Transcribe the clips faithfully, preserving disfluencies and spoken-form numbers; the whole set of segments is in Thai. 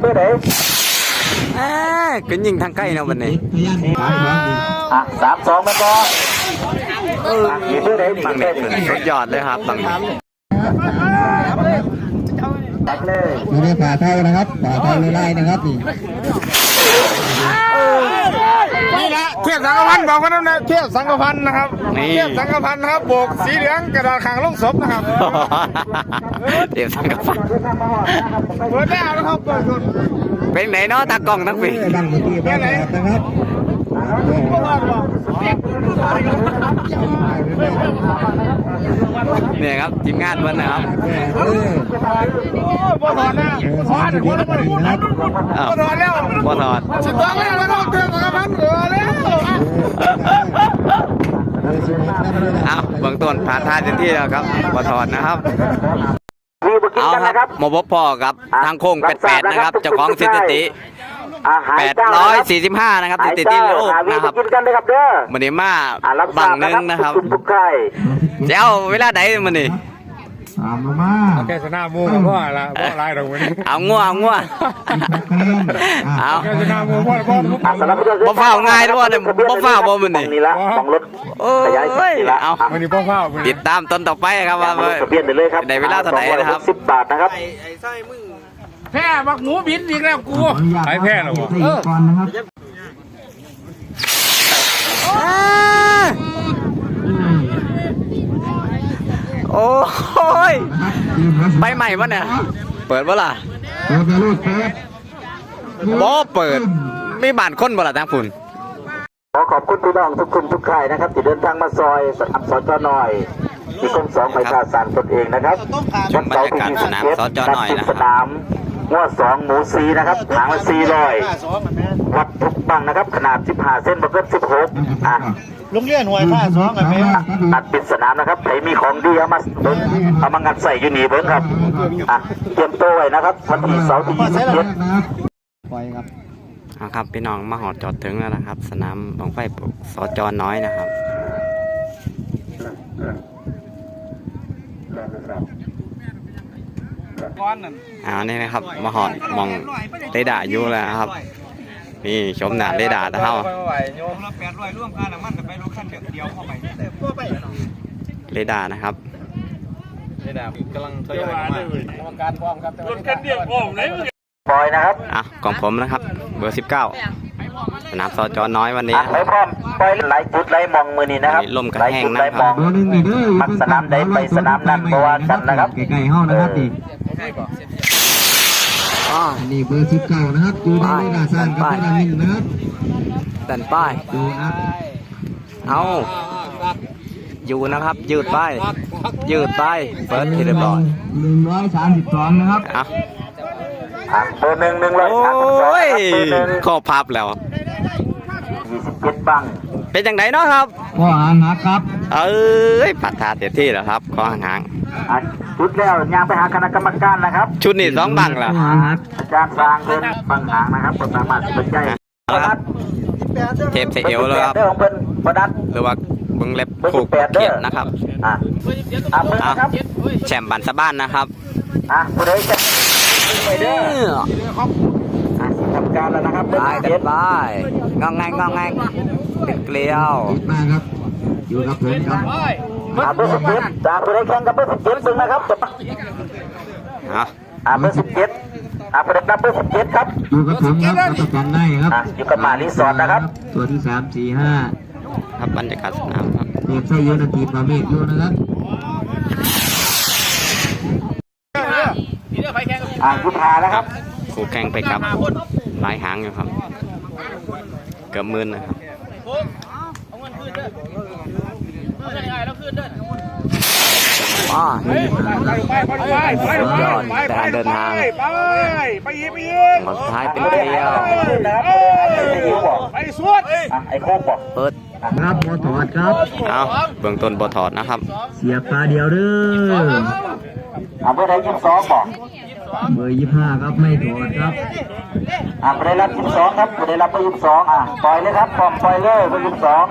บอร์ไหนก็ยิงทางใกล้เนาะวันนี้อ่ะสามสองมันบอลเออเบอร์ไหนบังเด็กสุดยอดเลยครับบังตัดเลยดูด้วยฝ่าเท้านะครับฝ่าเท้าไล่นะครับนี่นี่นะเทียบสังกพันธ์บอกว่านั่นนะเทียบสังกพันธ์นะครับเทียบสังกพันธ์นะครับโบกสีเหลืองกระดาษขางลงศพนะครับเทียบสังกพันธ์เปิดได้นะครับเปิดคนเป็นไหนเนาะตากล้องทั้งปีบังเมื่อกี้เป็นไหนนะครับเนี่ยครับทีมงานวันนะครับบอถอดนะถอดหัวแล้วนะครับบอถอดแล้วบอถอดสิบสองแล้วนะครับเทียบสังกพันธ์เหลือแล้วอ้าวเบื้องต้นผ่านท่าเต็มที่แล้วครับบอถอดนะครับเอาครับมาพบพ่อครับทางโค้งแปดแปดนะครับเจ้าของสถิติแปดร้อยสี่สิบห้านะครับสถิติโลกนะครับมันนี่มาบังนึงนะครับเจ้าเวลาไหนมันนี่สามลงมาแค่ชนะมูกับพ่อละพ่อลายตรงนี้เอางัวเอางัวเอาแค่ชนะมูพ่อพ่อบ่เฝ้าง่ายด้วยเนี่ยบ่เฝ้าบ่มันนี่นี่ละของรถขยายสัดเอามันนี่พ่อเฝ้าติดตามต้นต่อไปครับว่าเปลี่ยนไปเลยครับในเวลาเท่าไหร่นะครับสิบบาทนะครับแพ้บักหมูบินอีกแล้วกูไอ้แพ้หรอวะเออก่อนนะครับโอ้ยไปใหม่ปะเนี่ยเปิดปะล่ะเปิดลูกเปิดบ่เปิดมีบ้านคนบ่ล่ะทางฝุ่นขอขอบคุณพี่น้องทุกคนทุกค่ายนะครับที่เดินทางมาซอยสนามสจหน่อยที่กรมสองไปการสารตนเองนะครับชมบรรยากาศสนามสจหน่อยนะสนามง้อสองหมูซีนะครับหางละสี่ร้อยวัดทุกบังนะครับขนาดสิบห้าเส้นบวกกับสิบหกอ่ะลุงเลี้ยหน่วยผ้าสองกันไหมตัดปิดสนามนะครับใครมีของดีเอามาเอามางัดใส่ยูนีเบิ้งครับอ่ะเตรียมตัวไว้นะครับวันที่เสาร์ที่ยี่สิบเจ็ดปล่อยครับเอาครับพี่น้องมาหอดจอดถึงแล้วนะครับสนามบังไฟสจน้อยนะครับอ่านี่นะครับมาหอดมองเรดาร์อยู่แล้วครับนี่ชมหนาเรดาร์เท่าเรดาร์นะครับเรดาร์กำลังทยอยมาการพร้อมครับรถคันเดียวพร้อมเลยปล่อยนะครับอ่ะของผมนะครับเบอร์สิบเก้าสนามสจน้อยวันนี้ไม่พร้อมปล่อยไหลจุดไหลมองมือนี่นะครับลมกระแหงนะครับมันสนามใดไปสนามนั้นเพราะว่ากันนะครับไก่ๆห้องนะครับดิอ๋อนี่เบอร์สิบเก้านะครับดูได้ไม่น่าสั้นกับไม่น่าหนึ่งนะครับดันป้ายดูนะเอาอยู่นะครับยืดป้ายยืดป้ายเปิดที่เรียบร้อยหนึ่งร้อยสามสิบสองนะครับอ่ะเบอร์หนึ่งหนึ่งร้อยสามสิบสองข้อพับแล้วยี่สิบเจ็ดบังเป็นอย่างไรเนาะครับข้อหางครับเอ้ยปัดทาเต็มที่แล้วครับข้อหางชุดแล้วยางไปหาคณะกรรมการนะครับชุดนี้สองบังแล้วอาจารย์สร้างเงินบังหางนะครับสามารถเป็นใจครับเทปเสียเอวแล้วครับหรือว่าเบิ้งเล็บผูกเกียรนะครับอ่ะแชมป์บันสะบ้านนะครับอ่ะผู้ใดจะไปเด้อทำการแล้วนะครับไปเด็ดไปงองแงงงองแงงเป็นเกลียวมาครับอยู่กับผมครับอาเบอร์สิบเจ็ดจากผู้ใดแข่งกับเบอร์สิบเจ็ดซึ่งนะครับอ่ะอาเบอร์สิบเจ็ดอาผู้ใดนับเบอร์สิบเจ็ดครับอยู่กับผมครับประกันได้ครับอยู่กับมารีสอร์ทนะครับตัวที่สามสี่ห้าครับบรรยากาศสนามครับเตรียมใส่เยอะนาทีมาเมฆอยู่นะครับอ่าคุณพานะครับคู่แข่งไปกับหลายหางอยู่ครับเกือบหมื่นนะครับว้าการเดินทางหมดท้ายเป็นเกลียวไปสวดไอ้โคกบอกเปิดครับบอถอดครับเอาเบื้องต้นบอถอดนะครับเสียบตาเดียวเด้ออ่าเบอร์ไหนยี่สิบสองบอกเบอร์ยี่สิบห้าครับไม่ถอดครับอ่าเบอร์ได้รับยี่สิบสองครับเบอร์ได้รับเบอร์ยี่สิบสองอ่ะปล่อยเลยครับพร้อมปล่อยเลยเบอร์ยี่สิบสอง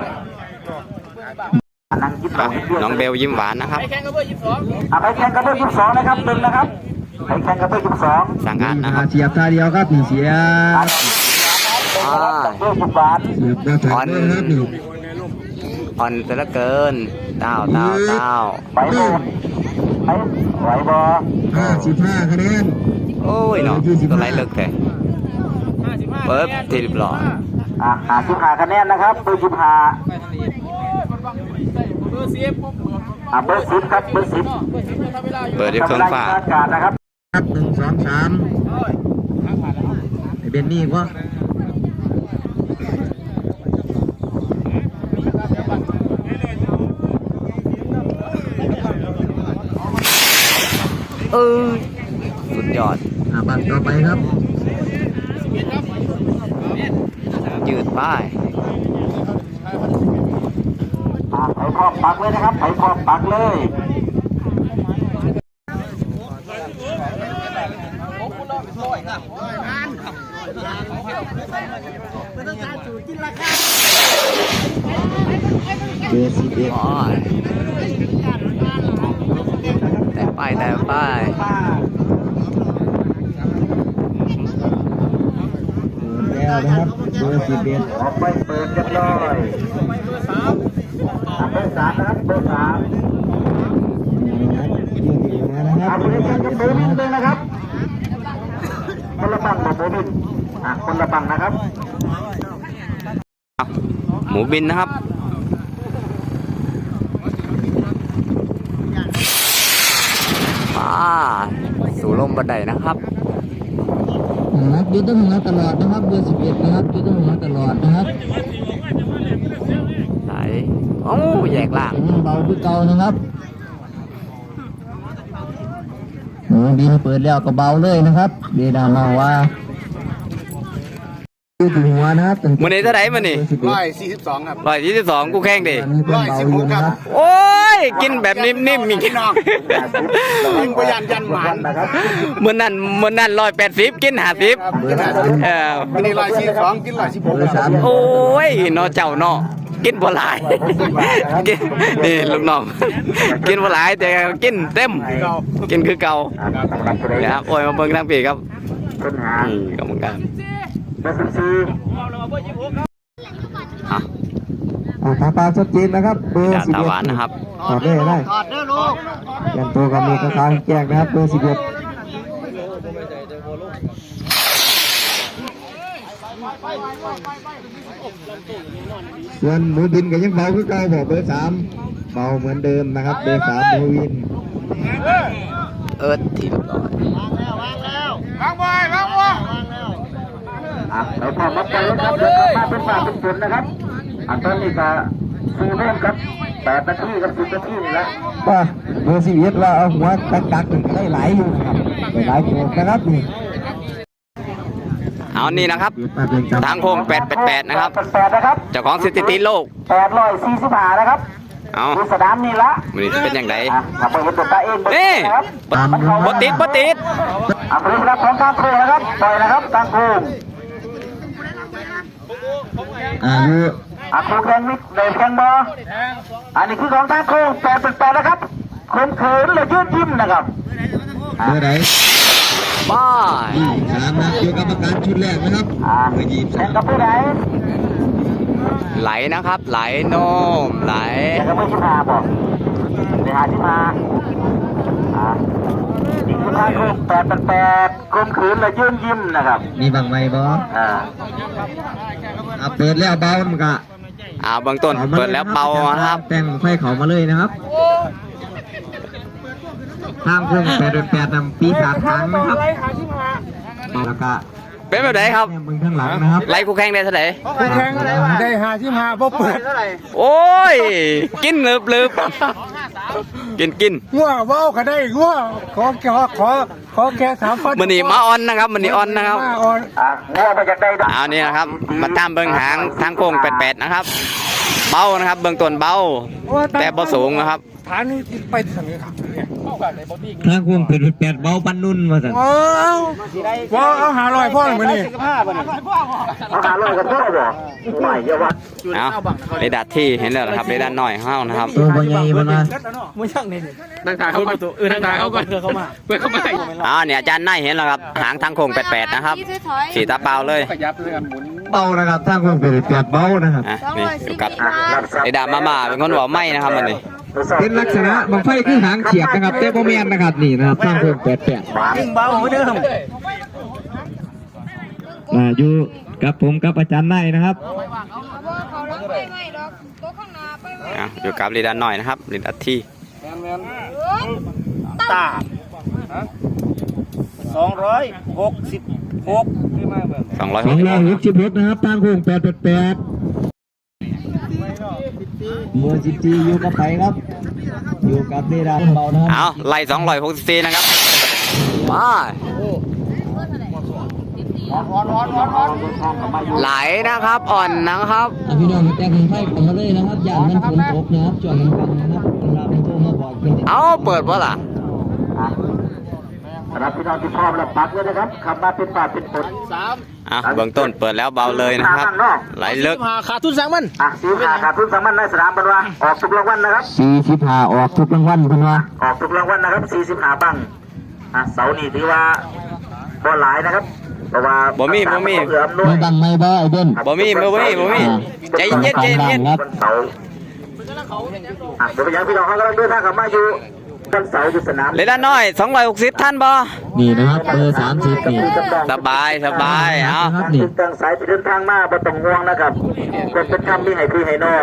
น้องเบลยิ้มหวานนะครับอ่ะไปแข่งกับเบอร์ยี่สิบสองนะครับหนึ่งนะครับไปแข่งกับเบอร์สิบสองสังกัดนะครับเสียบท่าเดียวครับนี่เสียบอ่าเบอร์สิบบาทเสียบกระถางด้วยนะครับนี่อ่อนแต่ละเกินเต้าเต้าเต้าไปโน่นไปไหวบอห้าสิบห้าคะแนนโอ้ยเนาะตัวไรเลิกแต่เปิดทีรีบร้อยอ่ะหาสิบห้าคะแนนนะครับเบอร์สิบห้าอ่ะเบอร์สิบครับเบอร์สิบเปิดด้วยเครื่องฝาอากาศนะครับครับหนึ่งสองสามไอ้เบนนี่วะเออสุดยอดอ่าบัตรต่อไปครับยืดป้ายอ่ะไถขอบปักเลยนะครับไถขอบปักเลยเบอร์สิบเอ็ดอ๋อแต่ป้ายแต่ป้ายแล้วนะครับเบอร์สิบเอ็ดออกไปเปิดเรียบร้อยอ่ะเบอร์สามนะครับเบอร์สามยืดอีกแล้วนะคอ่ะรับคุณได้แข่งกับเบอร์นิดนึงนะครับคนละบังกับเบอร์นิดอ่ะคนละบังนะครับหมูบินนะครับมาสู่ลมบันไดนะครับนักยืดต้องหัวตลอดนะครับเบอร์สิบเอ็ดนะครับยืดต้องหัวตลอดนะครับไหนโอ้แยกล่างเบาด้วยเก่านะครับหมูบินเปิดแล้วก็เบาเลยนะครับเดดามาว่ายืดหัวนะครับมันนี้เท่าไหร่มันนี่ร้อยสี่สิบสองครับร้อยยี่สิบสองกูแข่งดิร้อยสิบหกครับโอ้ยกินแบบนิ่มๆมีกินยิงพยันยันหมานนะครับเมื่อนั้นเมื่อนั้นร้อยแปดสิบกินห้าสิบเออวันนี้ร้อยสี่สิบสองกินร้อยสิบหกเบอร์สามโอ้ยเนอเจ้าเนอกินบ่หลายกินนี่ลูกน้องกินบ่หลายแต่กินเต็มกินคือเก่าอ่ะสำหรับตัวนะนี้ครับโอ้ยมาเบิ่งทางปีครับค้นหาอืมกรรมการเบอร์สิบสี่อ่ะอ่าตาปลาชัดเจนนะครับเบอร์จาสิบตาเอ็หวานดนะครับถอดได้ได้ถอดได้ลูกเปลี่ยนตัวกับมีกระทางแจ้งนะครับเบอร์สิบเอ็ดส่วนหมูบินก็ยังเบาคือเก่าบอกเบอร์สามเบาเหมือนเดิมนะครับเบอร์สามหมูวินเอิร์ธทีเรียบร้อยวางบอยวางบอยอ่ะเราพร้อมมาไปแล้วครับเดินมาเป็นฝ่าเป็นฝนนะครับอ่ะตอนนี้ก็สี่โมงครับแปดนาทีกับสิบนาทีนี่แหละว่าเบอร์สิบเอ็ดว่าเอาหัวกักกักๆหนึ่งก็ได้หลายอยู่นะครับได้หลายโขกนะครับนี่เอานี่นะครับ ทางโค้งแปดแปดแปดนะครับแปดแปดนะครับเจ้าของสถิติโลกแปดร้อยสี่สิบห้านะครับเอาดูสนามนี่ละมันนี้จะเป็นอย่างไรอ่ะขับไปเห็นตัวตาเองเบอร์นี่นะครับบติดบติดอ่ะพร้อมรับของทางโค้งนะครับปล่อยนะครับทางโค้งอายุอ่ะโค้งแข่งมิดเดินแข่งบออันนี้คือของทางโค้งแปดแปดแปดนะครับโค้งเขินเลยยืดยิ้มนะครับเบอร์ไหนป้ายยี่สิบสามนะอยู่กรรมการชุดแรกนะครับอ่ะเบอร์ยี่สิบแข่สาง มกับผู้ใดไหลนะครับ ไหลโนมไหลแข่งกับเบอร์สิบห้าบอกเบอร์ห้าสิบห้าอ่ะนี่คือทางโค้งแปดแปดแปดโค้งเขินเลยยืดยิ้มนะครับมีบางไหมบอสอ่าอ่ะเปิดแล้วเบามันก็อ่าเบื้องต้นเปิดแล้วเบานะครับแต่งไฟเขามาเลยนะครับทางเครื่องแปดแปดนำปีศาจทางนะครับแล้วก็เป็นแบบไหนครับเนี่ยมึงข้างหลังนะครับไล่คู่แข่งได้เท่าไหร่คู่แข่งได้ห้าสิบห้าพอเปิดโอ้ย กินลืบลืบกินกินงัวว่าวก็ได้งัวขอขอขอขอแค่สามพันมันนี่มาออนนะครับมันนี่ออนนะครับมาออนอ่ะงัวมาจากใดเอานี่นะครับ มาตามเบื้องหางทางโค้งแปดแปดนะครับ เบานะครับ เบื้องต้นเบา แต่บ่สูงนะครับฐานนี่ไปทางนี้ครับเนี่ยเข้ากันในบอดี้ทางควงเป็นแปดเบาปันนุ่นมาสั่นเออพ่อเอาหาลอยพ่อหนึ่งมานี่เอาหาลอยกับพ่อบ่ใหม่เยอะวะเอาเรดาร์ที่เห็นแล้วนะครับเรดาร์น้อยห้าวนะครับตัวบอใหญ่บนมานั่งถ่ายเขาก่อนเออนั่งถ่ายเขาก่อนเพื่อเข้ามาเพื่อเข้ามาอ๋อเนี่ยอาจารย์นายเห็นแล้วครับหางทางโค้งแปดๆนะครับสีตาเปล่าเลยขยับเลยกันหมุนเบานะครับทางควงเป็นแปดเบานะครับอ่ะนี่อยู่กับเรดาร์มาม่าเป็นคนบอกไม่นะครับมันนี่เป็นลักษณะบังไฟคือหางเฉียบนะครับแต่โมเมนนะครับนี่นะครับทางควงแปดแปดยิ่งเบาเหมือนเดิมอ่าอยู่กับผมกับอาจารย์นายนะครับเขาลังไปไหมดอกตัวข้างหน้าไปไหมอ่ะอยู่กับเรดาร์น้อยนะครับเรดาร์ที่ตาสองร้อยหกสิบหกสองร้อยสหอก งสิบร้อยหกสิบรถนะครับทางควงแปดแปดแปดเบอร์สิบสี่อยู่กับไผครับ อยู่กับเรดาร์เบานะครับเอาไล่สองร้อยหกสิบสี่นะครับมา ไหลนะครับอ่อนนะครับอ่ะพี่น้องมาแต่งไฟของเขาเลยนะครับอย่างมันฝนตกนะครับจอดกันฟังนะครับเวลาเป็นโทรมาบอกเป็นเอาเปิดวะล่ะสำหรับพี่น้องที่พร้อมแล้วปักเลยนะครับขับมาเป็นป่าเป็นฝนอ่ะเบื้องต้นเปิดแล้วเบาเลยนะครับ ไหลลึกขาดทุนสั่งมันอ่ะสีขาขาดทุนสามัญในสนามบอลว่าออกทุกรางวัลนะครับสี่สิบห้าออกทุกรางวัลคุณว่าออกทุกรางวัลนะครับสี่สิบห้าบังอ่ะเสานี่ถือว่าบอลหลายนะครับเพราะว่าบ่มีบ่มีเหลือมด้วไม่ยบังไม่บ้าไอ้เด่นบ่มีบ่มีบ่มีใจเย็นใจเย็นครับบนเสาอ่ะเดี๋ยวไปยังพี่น้องเขากำลังเดินทางกลับมาอยู่บนเสาอยู่สนามเรดาร์น้อยสองร้อยหกสิบท่านบ่นี่นะครับเบอร์สามสิบนี่สบายสบายเอาครับนี่ติดตั้งสายที่เดินทางมาบ่ต้องห่วงนะครับเป็นเป็นคำมีให้พี่ให้น้อง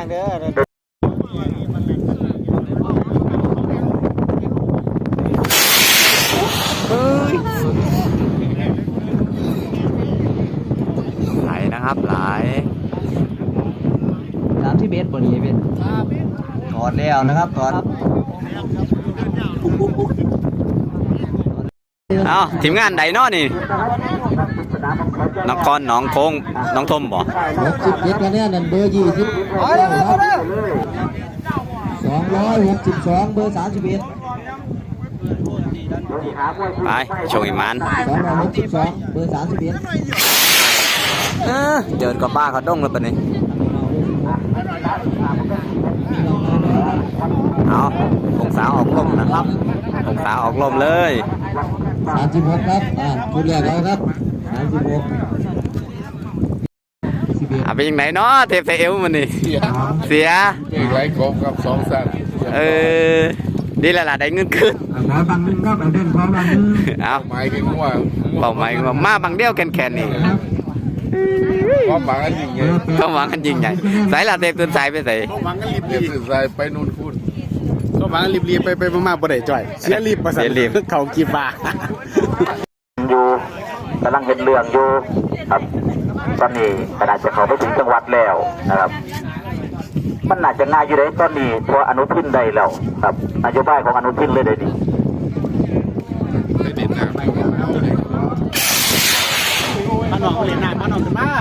ไหลนะครับไหลสามสิบเอ็ดบนนี้เป็นถอดแล้วนะครับถอดเอาทีมงานใดเนาะนี่นครหนองโค้งน้องทมบ่หกสิบเจ็ดคะแนนนั่นเบอร์ยี่สิบสองร้อยหกสิบสองเบอร์สามสิบเอ็ดไปโชว์อีมันสองร้อยหกสิบสองเบอร์สามสิบเอ็ดเออเดินกับป้าเขาดงแล้วปะนี่เอาองศาออกลมนะครับองศาออกลมเลยสามสิบหกครับอ่าชุดแรกเอาครับสามสิบหกสิบเอ็ดอ่ะเป็นยังไงเนาะเทปไทเอลมันนี่เสียอีกไรกบกับสองสัตว์เออดีแล้วล่ะได้เงินคืนขอบางนึงครับเอาเด่นขอบางนึงเอาหมายถึงว่าเป่าไม้ว่ามาบางเดียวแคนๆนี่ความหวังอันยิ่งใหญ่ก็หวังกันยิงใหญ่สายลาเทปตื่นสายไปใส่ความหวังกันรีบรีบสื่อสารไปนู่นคุณความหวังรีบรีบไปไปมาบ่ได้จ่อยเสียรีบประสานเขากีบาอยู่กำลังเห็นเรื่องอยู่ครับตอนนี้ขนาดจะเข้าไปถึงจังหวัดแล้วนะครับมันน่าจะง่ายอยู่เลยตอนนี้เพราะอนุทินได้แล้วครับนโยบายของอนุทินเลยเดี๋ยวนี้มาหนองเรียนหนักมาหนองกันมา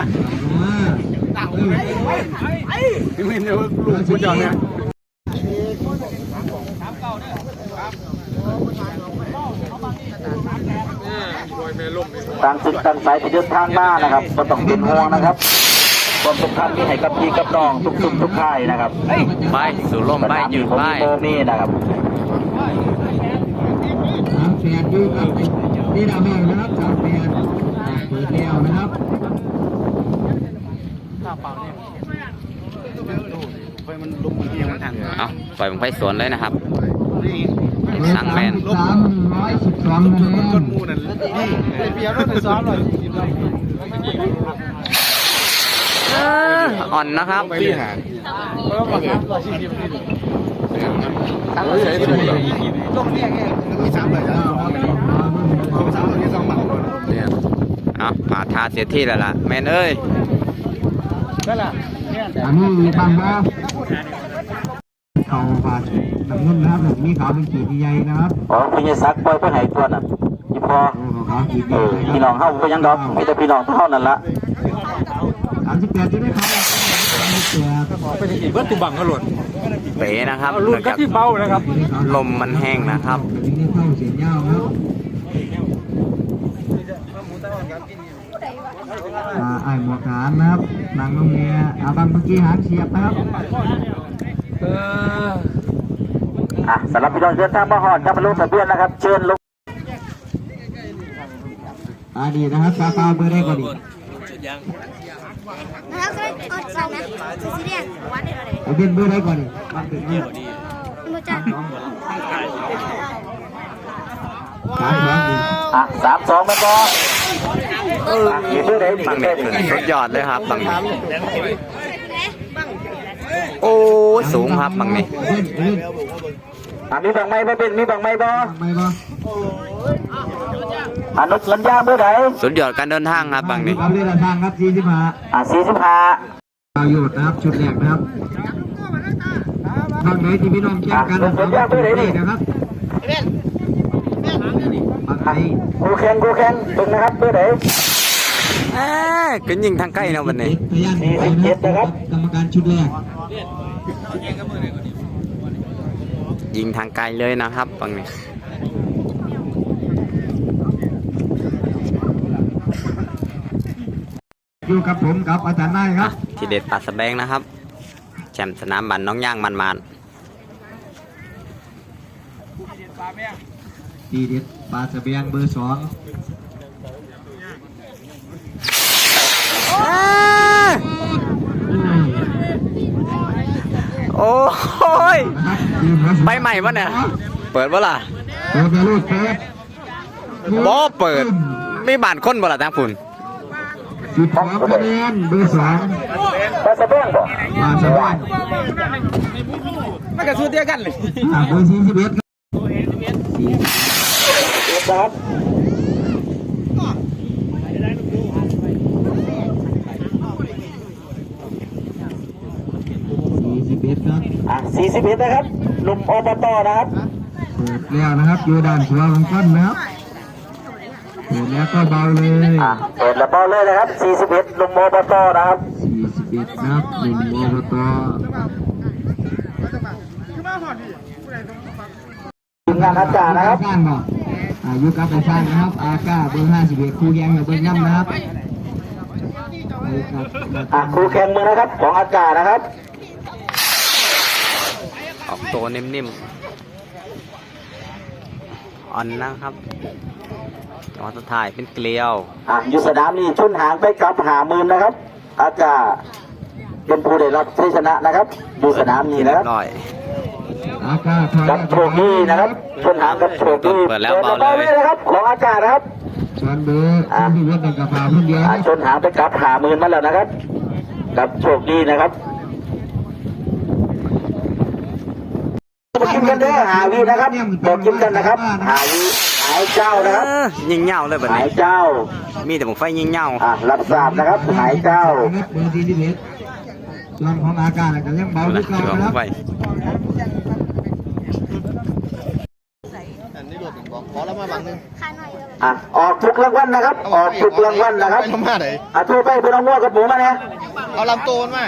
ไม่เห็นว่าลูกคุณจอเนี่ยต่างศึกต่างสายที่เดินทางมานะครับก็ต้องเป็นห่วงนะครับความสำคัญที่ให้กับพี่กับน้องทุกทุกทุกค่ายนะครับไปสู่ลมไปยืนไปโมมี่นะครับสามแปดดูครับนี่ดาวแมวนะครับสามแปดเปิดแล้วนะครับเอาปล่อยผมไปสวนเลยนะครับสั่งแมนสามร้อยสิบสองคะแนนมูนั่นเปียรถซ้อมเลยอ่อนนะครับไปที่หาเพราะว่าบางครั้งเราชิมชิมชิมทั้งเราใช้ตัวนี้ลงเนี่ยไงมีสามเลยจ้ะสองสามมีสองหมัดเนี่ยเอามาทาเสียที่แล้วล่ะแมนเอ้ยนั่นแหละอันนี้มีบางบ้าเขาฝาดน้ำเงินนะครับแบบมีขาวเป็นขีดใหญ่นะครับอ๋อพี่ยศักดิ์ปล่อยไปไหนตัวน่ะพี่พอโอ้ขาวขีดใหเอญ่อพี่น้องเข้าไปยังดอกมีแต่พี่น้องเท่านั้นละสามสิบแปดจะได้ครับเป็นอีกเบิร์ตุบังก็หล่นเป๋นะครับรุ่เนื่นองก็จากที่เบานะครับลมมันแห้งนะครับถึงนี้เข้าเสียงยาวครับอ่าไอ้หมวกฐานนะครับหนังน้องเมียอาบังเมื่อกี้หางเฉียบนะครับเอออ่ะสำหรับพี่น้องเดินทางมาหอดครับมาลงทะเบียนนะครับ เชิญลงอ่าดีนะครับซาฟาเบอร์ได้ก่อนดีนะครับก็อดสั่งนะสีแดงวัดได้เลยเอาเป็นเบอร์ได้ก่อนดีมาถึงนี่มาจากสามสองดีอ่ะสามสองแม่นบอเออมีเพื่อไหนดีบังแค่นี้นี้สุดยอดเลยครับบังนี้โอ้ยสูงครับบังนี้เล่นเล่นอ่ะมีบังไม้บ่เป็นมีบังไม้บอไม่บ่อนุสัญญาเมื่อไหร่สุดยอดการเดินทางครับบังนี้เอาเรือทางครับสี่สิบห้าอ่ะสี่สิบห้าประโยชน์นะครับชุดแรกนะครับทางไหนที่พี่น้องแจ้งกันนะครับนะครับบางไหนกูแข่งกูแข่งตรงนะครับเมื่อไหร่เอ้ยก็ยิงทางใกล้นะวันนี้พยานนะครับกรรมการชุดแรกยิงทางไกลเลยนะครับบังนี้อยู่กับผมกับอาจารย์นายครับที่เด็ดปลาสะแบงนะครับแชมป์สนามบันน้องย่างมันมันดีเด็ดปลาสะเบียงเบอร์สองโอ้ยนะครับไปใหม่ปะเนี่ยเปิดปะล่ะเปิดไปลูกเปิดบอเปิดไม่บานค้นปะล่ะทางฝุ่นจุดสองคะแนนเบอร์สองปลาสะเบ้งบ่ปลาสะเบียงไม่กระสุนเดียวกันเลยอ่าเบอร์สี่สิบเอ็ดสี่ครับสี่สิบเอ็ดครับอ่ะสี่สิบเอ็ดนะครับหนุ่มอบตนะครับเปิดแล้วนะครับอยู่ด้านขวาของต้นนะครับเปิดแล้วก็เบาเลยอ่ะเปิดแล้วเบาเลยนะครับสี่สิบเอ็ดหนุ่มอบตนะครับสี่สิบเอ็ดนะครับหนึ่งโมโตทีมงานอาจารย์นะครับสร้างบอกอายุกับไปสร้างนะครับ อาก้าเบอร์ห้าสิบเอ็ดครูแยงกับเบอร์ย่ำนะครับอ่ะครูแข่งมือนะครับของอากาศนะครับออกตัวนิ่มๆอ่อนนะครับจังหวะสุดท้ายเป็นเกลียวอ่ะอยู่สนามนี้ชุนหางไปกลับหามือนะครับ อากาศเป็นผู้ได้รับชัยชนะนะครับอยู่สนามนี้นะครับร้อยอาก้าถอยกับโชคดีนะครับชุนหางกับโชคดีเปิดแล้วเบาเลยปิดนะครับของอากาศนะครับชวนเบอร์ที่วัดในกระเพราคนเดียวอ่ะชนหางไปกลับหามือมาแล้วนะครับ กับโชคดีนะครับบอกกินกันเด้อหาวีนะครับบอกกินกันนะครับ หาวีหายเจ้านะครับเออยิงเหง่าเลยแบบหายนี้เจ้ามีแต่ผมไฟยิงเหง่าอ่ะรับทราบนะครับ หายเจ้าเบอร์สี่สิบเอ็ดส่วนของอาก้าก็ยังเบาดูที่นะเก่าเดี๋ยวนะครับไฟอันนี้รถบอกขอแล้วมาบังนึงขายหน่อยเลยอ่ะออกทุกรางวัลนะครับ ออกทุกรางวัลนะครับไปมาไหนอ่ะโทรไปเป็นน้องวัวกับหมูมาเนี่ยเอาลำโตนมา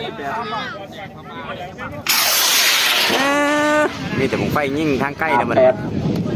เออมีแต่ผมไฟยิงทางใกล้นะมันแปด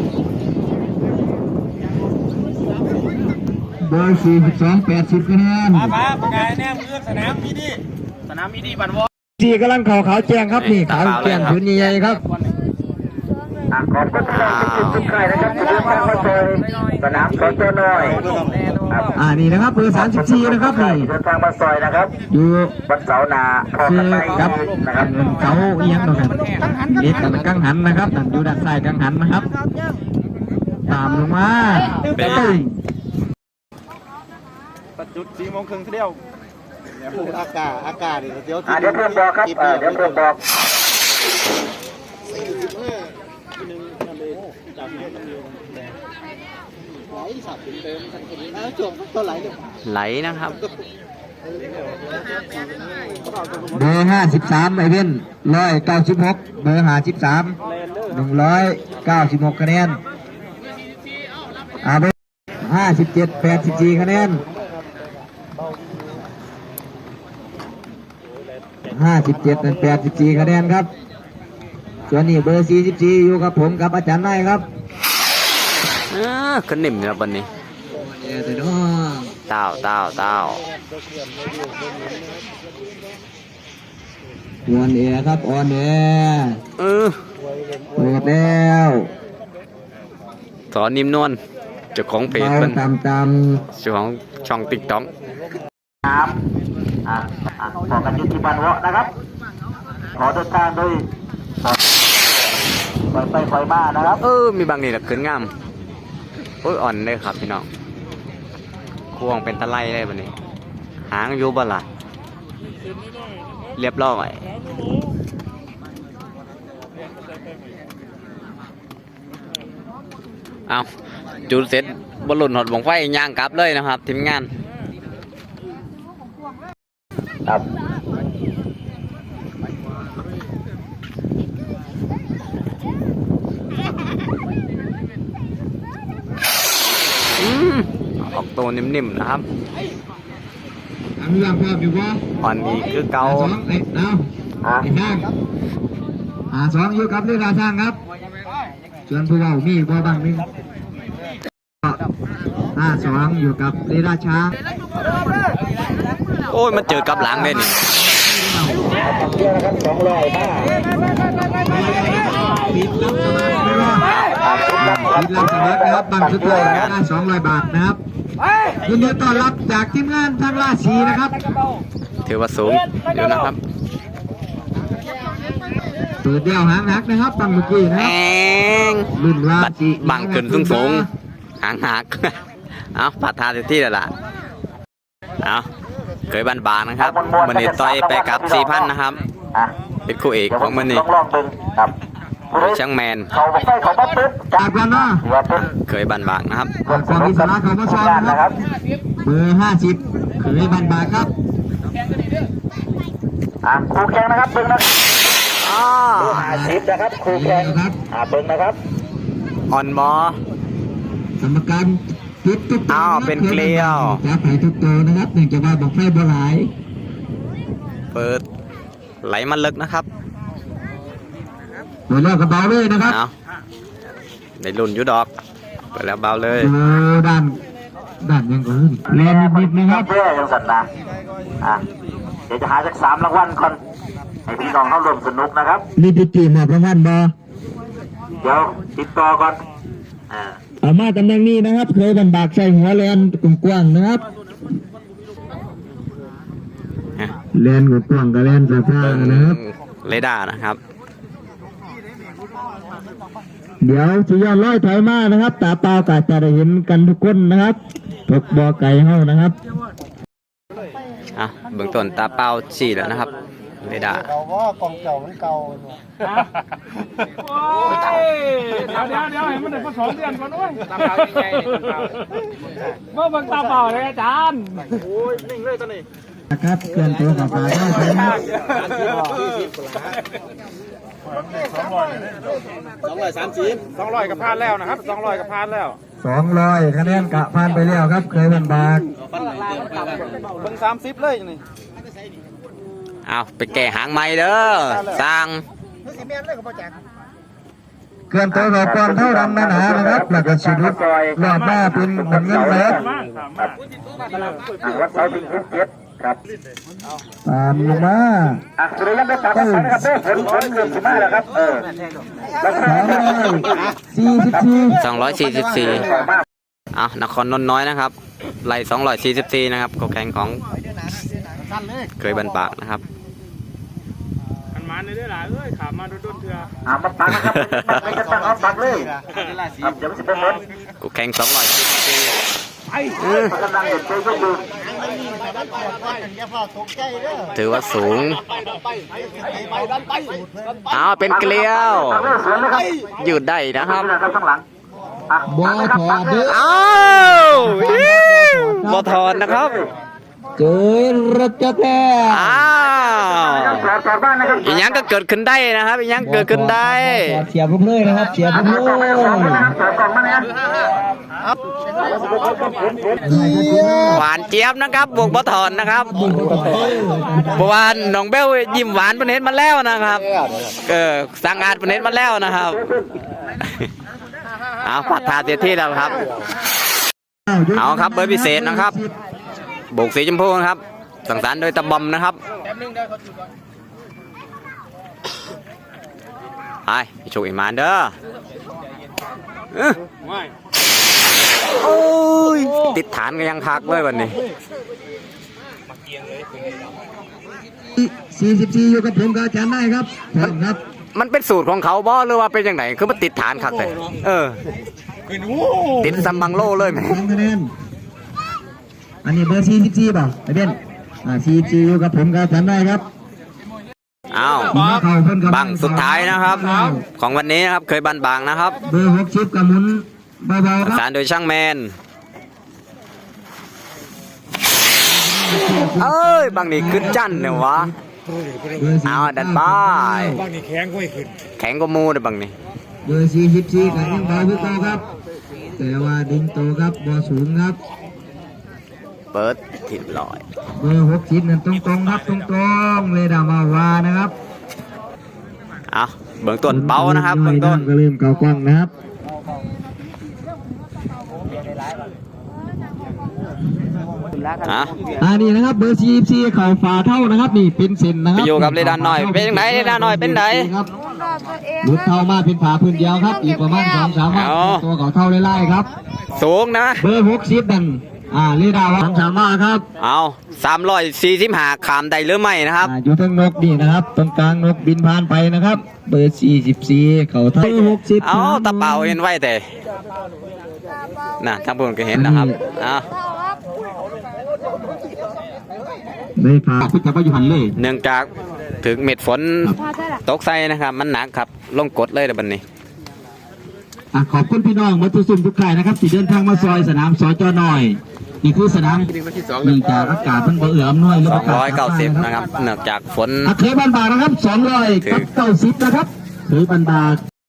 เบอร์สี่สิบสองแปดสิบคะแนนป้าประกาศแน่เลือกสนามมีดีสนามมีดีบันวอสี่กำลังขาวขาวแจ้งครับนี่ขาวแจ้งพื้นใหญ่ๆครับอ่ะขอบคุณทุกท่านที่ติดตามใครนะครับที่เดินทางมาเจอสนามสอนตัวน้อยครับอ่านี่นะครับเบอร์สามสิบสี่นะครับนี่เดินทางมาซอยนะครับอยู่วันเสาร์หน้าพอคืกันอไปกับนะครับเสาเอียงตรงนั้นเล็กกับกังหันนะครับนั่นอยู่ด้านซ้ายกังหันนะครับ ตามลงมาตึ้งจุดสี่โมงครึ่งเที่ยวอากาศอากาศเดี๋ยวอ่ะเดี๋ยวเพื่อนบอกครับเออเดี๋ยวเพื่อนบอกไหลนะครับเบอร์ห้าสิบสามไอเว้นร้อยเก้าสิบหกเบอร์ห้าสิบสามหนึ่งร้อยเก้าสิบหกคะแนนอ่าเบอร์ห้าสิบเจ็ดแปดสิบสี่คะแนนห้าสิบเจ็ดเป็นแปดสิบสี่คะแนนครับส่วนนี้เบอร์สี่สิบสี่อยู่กับผมกับอาจารย์นายครับเออขึ้นนิ่มเลยวันนี้เออแต่น้องเต้าเต้าเต้าออนแอร์ครับออนแอร์เออเปิดแล้วสอนนิ่มนวลเจ้าของเพจเบาเป็นตามตามเจ้าของช่องติ๊กต็อกน้ำอ่าอ่าต่อกันอยุติบันวะนะครับ ขอเดินทางโดยปล่อยไปปล่อยมานะครับเออมีบางนี่แหละขึ้นงามโอ้ยอ่อนเลยครับพี่น้องควงเป็นตะไลเลยวันนี้ หางอยู่บ่ล่ะเรียบร้อยเอาจุดเสร็จบอลลูนหดวงไฟย่างกลับเลยนะครับทีมงานครับอืมออกตัวนิ่มๆนะครับอันนี้ว่าภาพอยู่ว่าอ่อนอีกคือเกาสองไอ้ดาวอ่ะไอ้ช่างอ่าสองอยู่กับเรือช่างครับส่วนผู้เว่ามีบ่บางหนึงห้าสองอยู่กับเรดาช้างโอ้ยมันเจอกับหลังเลยนี่เที่ยวนะครับสองร้อยบ้าปิดรับสมัครไม่ว่าอ่าคิดรับปิดรับสมัครนะครับบังสุดเลยได้สองร้อยบาทนะครับยินดีต้อนรับจากทีมงานทางราศีนะครับถือว่าสูงเดี๋ยวนะครับเปิดเดี่ยวหางหักนะครับบังเมื่อกี้นะแอครับงรุ่นว่าบัดบังขึ้นสูงสูงๆหางหัก เอาปัดทาเต็มที่แล้วล่ะเอาเคยบันบางนะครับมันนี่ต่อยไปกับสี่พันนะครับอ่ะเป็นคู่เอกของมันนี่ลองลองดึงครับผู้ใดช่างแมนเขาบอกไปเขามาปุ๊บจากก่อนเนาะถือว่าเป็นเคยบันบางนะครับจากก่อนมีสาระเขามาซ้อมงานนะนะคครัรับบ เบอร์ห้าสิบเคยบันบาครับอ่ะครูแข่งนะครับดึงนะอ้าเบอร์ห้าสิบนะครับครูแข่งครับอ่ะเบิ้งนะครับอ่อนบอกรรมการทุกทุกอ้าวเป็นเกลียวจะไผ่ทุกตัวนะครับเนื่องจากว่าบอกไฟบ่หลายเปิดไหลมาลึกนะครับเปิดแล้วกระเบาเลยนะครับเอาได้รุ่นอยุดอกเปิดแล้วเบาเลยเจอด้านด้านยังก่อนแรงนิดๆนะครับเพื่อยังสันนะอ่ะเดี๋ยวจะหาสักสามรางวัลก่อนให้พี่น้องเข้าร่วมสนุกนะครับนี่ติดจีมอบรางวัลบอเดี๋ยวติดต่อก่อนอ่าเอามาตำแหน่งนี้นะครับ เคยบันบากใส่หัวแลนกว้างๆนะครับแลนกว้างกับแลนสะพานนะครับเรดาร์นะครับเดี๋ยวสุยอดร้อยถอยมานะครับ ตาเปล่าก็จะได้เห็นกันทุกคนนะครับพกบอไก่เฮานะครับอ่ะเบื้องต้นตาเป้าสี่แล้วนะครับเรดาร์เราว่ากองเก่ามันเก่าโอ้ยเดี๋ยวเดี๋ยวเดี๋ยวให้มันได้มาสองเดือนก่อนด้วยตาเปล่ายังไงเมื่อบังตาเปล่าเลยอาจารย์นะครับเคลื่อนตัวกับขาได้ถอยมาสองร้อยกับพานแล้วนะครับสองร้อยกับพานแล้วสองร้อยคะแนนกะผ่านไปแล้วครับ เคยบันบากเบิ่งสามสิบเลยนี่เอาไปแก่หางไม้เด้อสร้างเคลื่อนตัวกับก้อนเท่าดำหนาๆนะครับแล้วก็ชีวิตรอบหน้าเป็นเหมือนเงินเลยอ่ะวัดเสาถึงสิบเจ็ดครับตามลงมาอ่ะสุริยันได้ตามกันนะครับเด้อผลผลเริ่มสิมาแล้วครับเออแล้วก็สองร้อยสี่สิบสี่สองร้อยสี่สิบสี่เอานครนนท์น้อยนะครับไล่สองร้อยสี่สิบสี่นะครับก็แข่งของเคยบันปากนะครับมันมาในเรื่องหลายเอ้ยขามาโดนๆเถื่ออ่ะมาปักนะครับปักไม่จะตั้งเอาปักเลยครับเดี๋ยวมันจะเป็นเหมือนกูแข่งสองร้อยสี่สิบสี่กำลังเด็ดใจยกมือถือว่าสูงเอาเป็นเกลียวปักเลยสวนเลยครับยืดได้นะครับนี่นะครับข้างหลังอ่ะบอถอดเด้ออ้าวบอทอนนะครับเจอรถจักรแล้วอ้าวสอดสอดบ้านนะครับอีกยังก็เกิดขึ้นได้นะครับอีกยังเกิดขึ้นได้เสียบลูกเลยนะครับเสียบลูกเลยสอดกล่องมาเนี่ยหวานเจี๊ยบนะครับบวกบ่ถอนนะครับเพราะว่าน้องเบลยิ้มหวานประเน็ตมาแล้วนะครับเออสังอาดประเน็ตมาแล้วนะครับเอาพัดทาเสียที่แล้วครับเอาครับเบอร์พิเศษนะครับโบกสีชมพูนะครับสังสรรค์โดยตะบอมนะครับไปโชคอีมานเด้อเอ้อโอ้ยติดฐานก็ยังคักเลยวันนี้สี่สิบสี่อยู่กับผมกับอาจารย์ได้ครับพร้อมครับมันเป็นสูตรของเขาบ่หรือว่าเป็นยังไงคือมันติดฐานคักเลยเออติดซัมบังโลเลยไหมสองคะแนนอันนี้เบอร์สี่สิบสี่ป่ะไอเบนอ่าสี่สิบสี่อยู่กับผมกับอาจารย์ได้ครับอ้าวบังสุดท้ายนะครับ ของวันนี้นะครับเคยบันบางนะครับเบอร์หกสิบกับหมุนเบาๆคสารัรบโดยช่างแมนเอ้ยบางนี่ขึ้นจันเนี่ยวะเบอร์สี่เอาดันป้ายแข็งกว่ามูเลยบางนี่เบอร์สี่สิบสี่กับยังเบาพี่โตครับ แต่ว่าดึงโตครับบอสูงครับเปิดถิ่นลอยเบอร์หกสิบนั่นตรงๆครับตรงๆเลยดามาวานะครับเอาเบื้องต้นเป้านะครับเบื้องต้นก็เริ่มเก่ากว้างนะครับอ่ะอ่านี่นะครับเบอร์สี่สิบสี่เข่าฝาเท่านะครับนี่เป็นเส้นนะคไปรับอยู่กับเรดานหน่อยเป็นยังไงเรดานหน่อยเป็นไหนครับรอบตัวเองหลุดเท่ามาเป็นฝาพื้นเดียวครับ อีกประมาณสองสามวันเอาตัวเก่าเท่าไล่ๆครับสูงนะเบอร์หกสิบนั่นอ่าเรดาร์สองสามมาครับเอาสามร้อยสี่สิบห้าขามได้หรือไม่นะครับอ่าอยู่ทั้งนกนี่นะครับ ตรงกลางนกบินผ่านไปนะครับ เบอร์สี่สิบสี่เข่าเท่าหกสิบเอาตะเป่าเห็นไว้แต่น่ะทางพวกก็เห็นนะครับเอาเท่าครับไม่ผ่าคุณจะไปอยู่หันเลยเนื่องจากถึงเม็ดฝนพอได้ละตกใส่นะครับ มันหนักครับลงกดเลยเดี๋ยวบันนี้อ่ะขอบคุณพี่น้องมาทุกสุ่มทุกใครนะครับที่เดินทางมาซอยสนามสจหน่อยนี่คือสนามเนื่องจากอากาศมันบ่เอื้ออำนวยสองร้อยเก้าสิบนะครับเนื่องจากฝนอ่ะเคยบันบานะครับสองร้อยเก้าสิบนะครับเคยบันบา